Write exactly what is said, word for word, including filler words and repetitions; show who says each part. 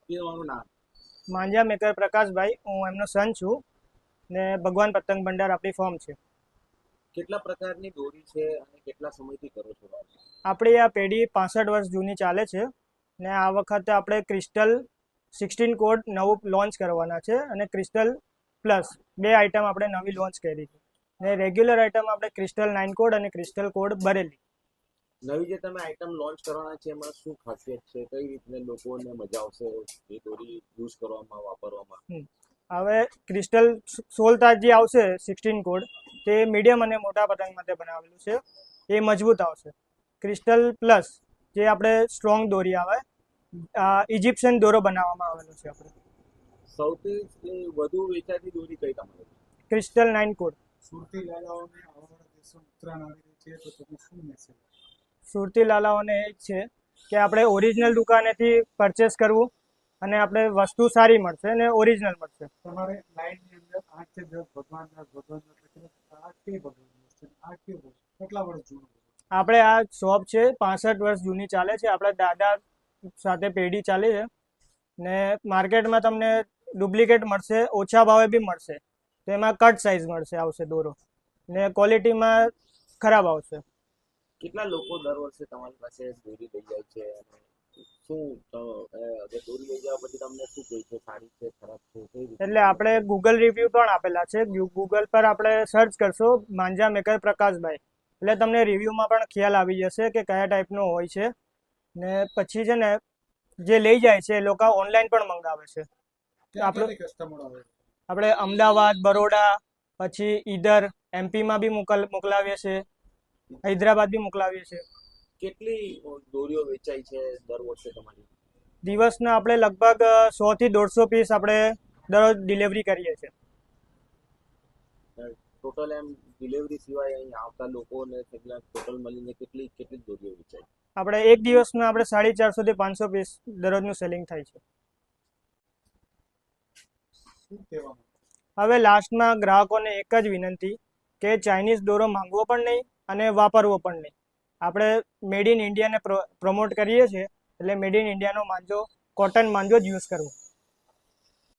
Speaker 1: તમારું નામ?
Speaker 2: માંજા મેકર પ્રકાશભાઈ, હું એમનો સન છું ને ભગવાન પતંગ ભંડાર આપણી ફોર્મ છે.
Speaker 1: કેટલા પ્રકારની દોરી છે અને કેટલા સમયથી કરો છો?
Speaker 2: આપણી આ પેઢી પાસઠ વર્ષ જૂની ચાલે છે ને આ વખતે આપણે ક્રિસ્ટલ સિક્સટીન કોડ નવું લોન્ચ કરવાના છે અને ક્રિસ્ટલ પ્લસ બે આઇટમ આપણે નવી લોન્ચ કરી છે ને રેગ્યુલર આઇટમ આપણે ક્રિસ્ટલ નાઇન કોડ અને ક્રિસ્ટલ કોડ ભરેલી.
Speaker 1: નવી જે તમે આઇટમ લોન્ચ કરવાના છે એમાં શું ખાસિયત છે? કઈ રીતને લોકોને મજા આવશે એ દોરી યુઝ કરવામાં, વાપરવામાં?
Speaker 2: હવે ક્રિસ્ટલ સોળ તાર જે આવશે સિક્સટીન કોડ તે મીડિયમ અને મોટા પતંગ માટે બનાવેલું છે, એ મજબૂત આવશે. ક્રિસ્ટલ પ્લસ જે આપણે સ્ટ્રોંગ દોરી આવે, ઇજિપ્શિયન દોરો બનાવવામાં આવેલો છે આપણે.
Speaker 1: સૌથી વધુ વેચાતી દોરી કઈ તમારી?
Speaker 2: Crystal nine code.
Speaker 3: સુરતી લાલાઓને આવવાના દિવસો ઉત્તરાયણ આવી રહી છે તો તમે શું મેસેજ?
Speaker 2: સુરતી લાલાઓને એ જ છે કે આપણે ઓરિજિનલ દુકાનેથી પરચેસ કરવું અને આપણે વસ્તુ સારી મળશે અને ઓરિજિનલ મળશે.
Speaker 3: તમારે લાઈનની અંદર આઠ થી દસ ભગવાન ભગવાન આ કે ભગવાન આ કે કેટલા વર્ષ જૂનું?
Speaker 2: આપણે આ શોપ છે પાસઠ વર્ષ જૂની ચાલે છે, આપણા દાદા સાથે પેઢી ચાલે છે ને માર્કેટમાં તમને ડુપ્લિકેટ મળશે, ઓછા ભાવે બી મળશે. તો એમાં કટ સાઇઝ મળશે આવશે દોરો ને ક્વોલિટીમાં ખરાબ આવશે.
Speaker 1: કેટલા લોકો દર વર્ષે તમારી પાસે દોરી લઈ જાય છે અને શું દોરી લઈ જવા પછી તમને શું કહે છે? સારી છે, ખરાબ છે, કઈ રીતે?
Speaker 2: એટલે આપણે ગૂગલ રિવ્યુ પણ આપેલા છે. ગૂગલ પર આપણે સર્ચ કરશો માંજા મેકર પ્રકાશભાઈ એટલે તમને રિવ્યુમાં પણ ખ્યાલ આવી જશે કે કયા ટાઈપનો હોય છે. ને પછી છે ને જે લઈ જાય છે એ લોકો ઓનલાઈન પણ મંગાવે છે. આપણે
Speaker 3: કસ્ટમર આવે?
Speaker 2: આપણે અમદાવાદ, બરોડા, પછી ઈધર એમપીમાં બી મોકલ મોકલાવીએ છીએ, હૈદરાબાદ બી મોકલાવીએ છીએ.
Speaker 1: કેટલી દોરીઓ વેચાય છે દર વર્ષે તમારી?
Speaker 2: દિવસના આપણે લગભગ સો થી દોઢસો પીસ આપણે દરરોજ ડિલિવરી કરીએ છીએ.
Speaker 1: ટોટલ એમ ડિલિવરી સિવાય અહીં આવતા લોકોને ટોટલ મળીને કેટલી કેટલી દોરીઓ વેચાય?
Speaker 2: આપણે એક દિવસમાં આપણે સાડી ચારસો થી પાંચસો પીસ દરરોજનું સેલિંગ થાય છે. હવે લાસ્ટમાં ગ્રાહકોને એક જ વિનંતી કે ચાઇનીઝ દોરો માંગવો પણ નહીં અને વાપરવો પણ નહીં. આપણે મેડ ઇન ઇન્ડિયાને પ્રમોટ કરીએ છીએ એટલે મેડ ઇન ઇન્ડિયાનો માંજો, કોટન માંજો જ યુઝ કરવો.